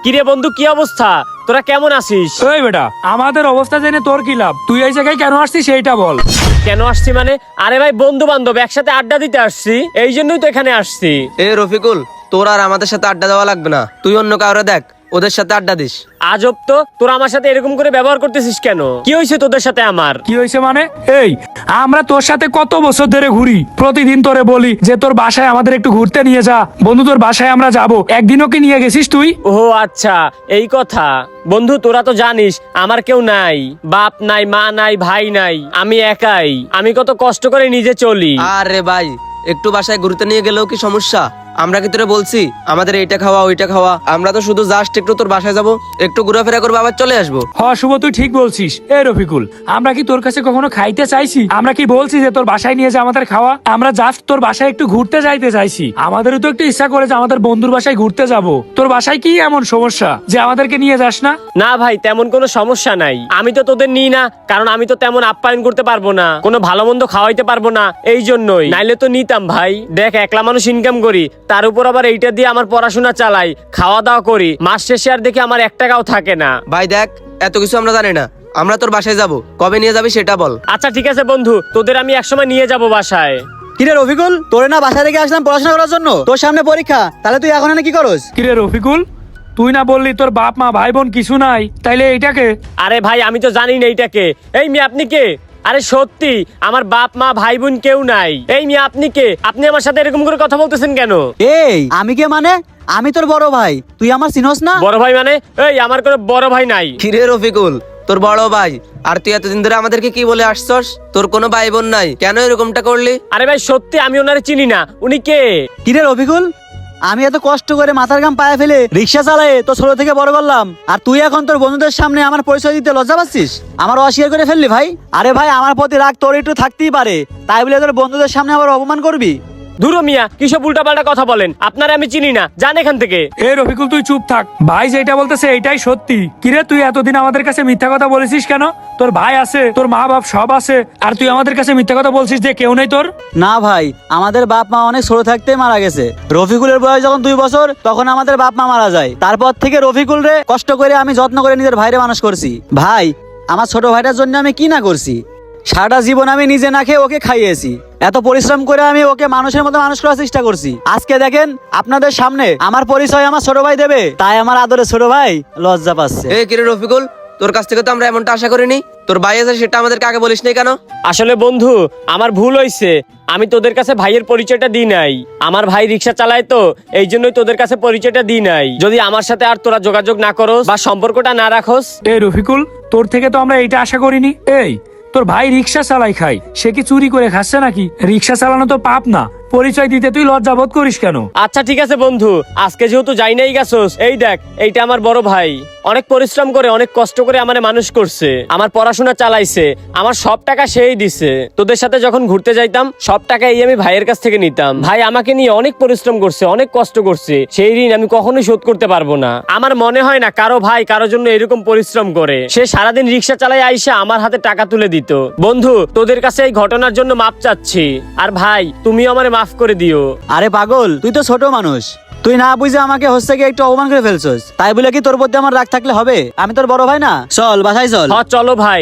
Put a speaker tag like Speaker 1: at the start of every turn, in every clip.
Speaker 1: কিরে বন্ধু, কি অবস্থা? তোরা কেমন আছিস?
Speaker 2: ওই বেটা, আমাদের অবস্থা জেনে তোর কি লাভ? তুই এই জায়গায় কেন আসছিস সেইটা বল।
Speaker 1: কেন আসছি মানে? আরে ভাই, বন্ধু বান্ধব একসাথে আড্ডা দিতে আসছি, এই জন্যই তো এখানে আসছি।
Speaker 3: এ রফিকুল, তোর আর আমাদের সাথে আড্ডা দেওয়া লাগবে না। তুই অন্য কাউরে দেখ, ওদের সাথে আড্ডা দিস।
Speaker 1: আজব তো, তোরা আমার সাথে এরকম করে ব্যবহার করতেছিস কেন? কি হয়েছে তোদের সাথে আমার?
Speaker 2: কি হয়েছে মানে? এই আমরা তোর সাথে কত বছর ধরে ঘুরি, প্রতিদিন তোরে বলি যে তোর বাসায় আমাদের একটু ঘুরতে নিয়ে যা, বন্ধু তোর বাসায় আমরা যাব, একদিনও কি নিয়ে গেছিস তুই?
Speaker 1: ও আচ্ছা, এই কথা। বন্ধু তোরা তো জানিস আমার কেউ নাই, বাপ নাই, মা নাই, ভাই নাই, আমি একাই। আমি কত কষ্ট করে নিজে চলি।
Speaker 3: আরে ভাই, একটু বাসায় ঘুরতে নিয়ে গেলেও কি সমস্যা? আমরা কি তোরে বলছি আমাদের এইটা খাওয়া ওইটা খাওয়া? আমরা তো শুধু জাস্ট একটু তোর বাসায় যাব, একটু ঘোরাফেরা করবো, আবার চলে আসবো।
Speaker 2: শুভ, তুই ঠিক বলছিস। এ রফিকুল, আমরা কি তোর কাছে কখনো খাইতে চাইছি? আমরা কি বলছি যে তোর বাসায় নিয়ে যা আমাদের খাওয়া? আমরা জাস্ট তোর বাসায় একটু ঘুরতে যাইতে চাইছি। আমাদেরও তো একটু ইচ্ছা করে যে আমাদের বন্ধুর বাসায় ঘুরতে যাব। তোর বাসায় কি এমন সমস্যা যে আমাদেরকে নিয়ে যাস না?
Speaker 1: না ভাই, তেমন কোনো সমস্যা নাই। আমি তো তোদের নিই না, কারণ আমি তো তেমন আপ্যায়ন করতে পারবো না, কোনো ভালো মন্দ খাওয়াইতে পারবো না, এই জন্যই। নাইলে তো নিতাম ভাই। দেখ, একলা মানুষ ইনকাম করি, তার উপর আবার এইটা দিয়ে আমার পড়াশোনা চালাই, খাওয়া দাওয়া করি, মাস শেষে আর দেখি আমার 1 টাকাও থাকে না।
Speaker 3: ভাই দেখ, এত কিছু আমরা জানি না। আমরা তোর বাসায় যাব, কবে নিয়ে যাবি সেটা বল।
Speaker 1: আচ্ছা ঠিক আছে বন্ধু, তোদের আমি একসময় নিয়ে যাব বাসায়।
Speaker 4: কিরে রফিকুল, তোরে না বাসা থেকে আসলাম পড়াশোনা করার জন্য, তোর সামনে পরীক্ষা, তাহলে তুই এখন এনে কি করস?
Speaker 2: কিরে রফিকুল, তুই না বললি তোর বাপ মা ভাই বোন কিছু নাই, তাইলে এইটাকে?
Speaker 1: আরে ভাই, আমি তো জানি না এইটাকে। এই মিয়া, আপনি কে? আরে সত্যি আমার বাপ মা ভাই বোন কেউ নাই। এই মিয়া, আপনি কে? আপনি আমার সাথে এরকম করে কথা বলতেছেন কেন?
Speaker 4: এই আমি কে মানে? আমি তোর বড় ভাই, তুই আমার চিনস না?
Speaker 1: বড় ভাই মানে? এই আমার কোনো বড় ভাই নাই।
Speaker 3: কিরে রফিকুল, তোর বড় ভাই, আর তুই এতদিন ধরে আমাদেরকে কি বলে আসছস? তোর কোনো ভাই বোন নাই, কেন এরকমটা করলি?
Speaker 1: আরে ভাই সত্যি আমি ওনারে চিনি না। উনি কে?
Speaker 4: কিরে রফিকুল, আমি এত কষ্ট করে মাথার ঘাম পায়ে ফেলে রিক্সা চালায়ে তো ছোট থেকে বড় করলাম, আর তুই এখন তোর বন্ধুদের সামনে আমার পরিচয় দিতে লজ্জা পাচ্ছিস? আমার অস্বীকার করে ফেললি ভাই? আরে ভাই, আমার প্রতি রাগ তোর একটু থাকতেই পারে, তাই বলে তোর বন্ধুদের সামনে আবার অপমান করবি?
Speaker 1: ধুরো মিয়া, কিসব উল্টাপাল্টা কথা বলেন? আপনারা আমি চিনি না, যান এখান থেকে।
Speaker 2: এ রফিকুল, তুই চুপ থাক। ভাই যেটা বলতেছে এইটাই সত্যি। কিরে, তুই এতদিন আমাদের কাছে মিথ্যা কথা বলেছিস কেন? তোর ভাই আছে, তোর মা বাপ সব আছে, আর তুই আমাদের কাছে মিথ্যা কথা বলছিস যে কেউ নেই তোর?
Speaker 4: না ভাই, আমাদের বাপ মা অনেক ছোট থাকতেই মারা গেছে। রফিকুলের বয়স যখন 2 বছর, তখন আমাদের বাপ মা মারা যায়। তারপর থেকে রফিকুল রে কষ্ট করে আমি যত্ন করে নিজের ভাইরে মানুষ করছি। ভাই, আমার ছোট ভাইটার জন্য আমি কি না করছি? সারাটা জীবন আমি নিজে না খেয়ে ওকে খাইয়েছি, এত পরিশ্রম করে আমি ওকে মানুষের মতো মানুষ করার চেষ্টা করছি। আজকে দেখেন আপনাদের সামনে আমার পরিচয় আমার ছোট ভাই দেবে, তাই আমার আদরে ছোট ভাই লজ্জা পাচ্ছে।
Speaker 3: এ কিরে রফিকুল, তোর কাছ থেকে তো আমরা এমনটা আশা করিনি। তোর ভাই আছে সেটা আমাদেরকে আগে বলিস নাই কেন?
Speaker 1: আসলে বন্ধু, আমার ভুল হয়েছে। আমি তোদের কাছে ভাইয়ের পরিচয়টা দিই নাই। আমার ভাই রিক্সা চালায় তো, এই জন্যই তোদের কাছে পরিচয়টা দিই নাই। যদি আমার সাথে আর তোরা যোগাযোগ না করস বা সম্পর্কটা না রাখস।
Speaker 2: এ রফিকুল, তোর থেকে তো আমরা এইটা আশা করিনি। এই তোর ভাই রিক্সা চালাই খায়, সে কি চুরি করে খাচ্ছে নাকি? রিক্সা চালানো তো পাপ না, পরিচয় দিতে তুই লজ্জা বোধ করিস কেন?
Speaker 1: আচ্ছা ঠিক আছে বন্ধু, আজকে যেহেতু যাই নাই গেছস, এই দেখ, এইটা আমার বড় ভাই। অনেক পরিশ্রম করে, অনেক কষ্ট করে আমারে মানুষ করছে, আমার পড়াশোনা চালাইছে, আমার সব টাকা সেই দিছে। তোদের সাথে যখন ঘুরতে যাইতাম, সব টাকা এই আমি ভাইয়ের কাছ থেকে নিতাম। ভাই আমাকে নিয়ে অনেক পরিশ্রম করছে, অনেক কষ্ট করছে, সেই ঋণ আমি কখনোই শোধ করতে পারবো না। আমার মনে হয় না কারো ভাই কারোর জন্য এরকম পরিশ্রম করে। সে সারাদিন রিক্সা চালাই আইসা আমার হাতে টাকা তুলে দিত। বন্ধু, তোদের কাছে এই ঘটনার জন্য মাপ চাচ্ছি, আর ভাই তুমিও আমারে মাফ করে দিও।
Speaker 4: আরে পাগল, তুই তো ছোট মানুষ, তুই না বুঝে আমাকে হচ্ছে গিয়ে একটু অপমান করে ফেলছস, তাই বলে কি তোর প্রতি আমার রাগ থাকলে হবে? আমি তোর বড় ভাই না? চল বাসায় চল।
Speaker 1: হ্যাঁ চলো ভাই।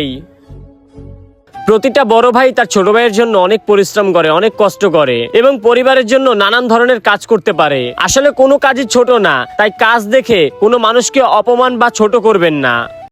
Speaker 1: প্রতিটা বড় ভাই তার ছোট ভাইয়ের জন্য অনেক পরিশ্রম করে, অনেক কষ্ট করে এবং পরিবারের জন্য নানান ধরনের কাজ করতে পারে। আসলে কোনো কাজই ছোট না, তাই কাজ দেখে কোনো মানুষকে অপমান বা ছোট করবেন না।